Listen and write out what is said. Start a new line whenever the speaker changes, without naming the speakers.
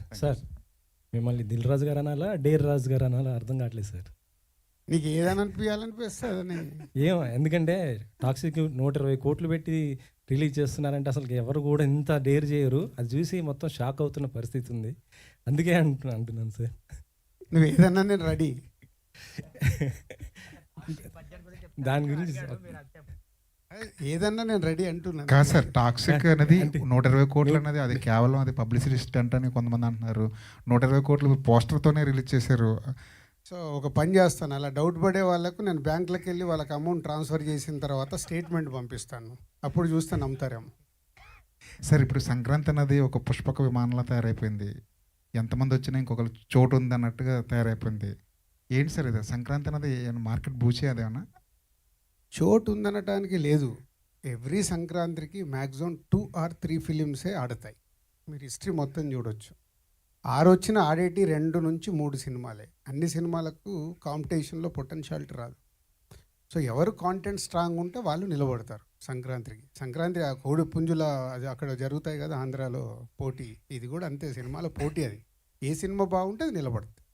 Sir మిమ్మల్ని దిల్ రాజు గారు అనాలా, డేర్ రాజు గారు అనాలా అర్థం కావట్లేదు సార్.
నీకు ఏదైనా అనిపించాలనిపిస్తుంది.
ఎందుకంటే టాక్సిక్ 120 కోట్లు పెట్టి రిలీజ్ చేస్తున్నారంటే అసలు ఎవరు కూడా ఇంత డేర్ చేయరు. అది చూసి మొత్తం షాక్ అవుతున్న పరిస్థితి ఉంది. అందుకే అంటున్నాను సార్.
నువ్వు ఏదన్నా నేను రెడీ.
దాని గురించి
ఏదన్నా నేను రెడీ అంటున్నాను.
కాదు సార్, టాక్సిక్ అనేది 120 కోట్లు అనేది అది కేవలం అది పబ్లిసిటీ స్టంట్ అని కొంతమంది అంటున్నారు. 120 కోట్లు పోస్టర్తోనే రిలీజ్ చేశారు.
సో ఒక పని చేస్తాను, అలా డౌట్ పడే వాళ్ళకు నేను బ్యాంకులకు వెళ్ళి వాళ్ళకి అమౌంట్ ట్రాన్స్ఫర్ చేసిన తర్వాత స్టేట్మెంట్ పంపిస్తాను, అప్పుడు చూస్తే నమ్ముతారేమో.
సార్ ఇప్పుడు సంక్రాంతి అనేది ఒక పుష్పక విమానంలో తయారైపోయింది. ఎంతమంది వచ్చినా ఇంకొకరు చోటు ఉంది అన్నట్టుగా తయారైపోయింది. ఏంటి సార్ ఇది సంక్రాంతి అనేది మార్కెట్ బూచే అదేమన్నా?
చోటు ఉందనటానికి లేదు. ఎవ్రీ సంక్రాంతికి మ్యాక్సిమం 2 or 3 ఫిలిమ్సే ఆడతాయి. మీరు హిస్టరీ మొత్తం చూడొచ్చు. 6 వచ్చిన ఆడేటి 2 నుంచి 3 సినిమాలే. అన్ని సినిమాలకు కాంపిటీషన్లో పొటెన్షియాలిటీ రాదు. సో ఎవరు కాంటెంట్ స్ట్రాంగ్ ఉంటే వాళ్ళు నిలబడతారు సంక్రాంతికి. సంక్రాంతి ఆ కోడి పుంజుల అది అక్కడ జరుగుతాయి కదా ఆంధ్రాలో పోటీ, ఇది కూడా అంతే, సినిమాల పోటీ. అది ఏ సినిమా బాగుంటే అది నిలబడుతుంది.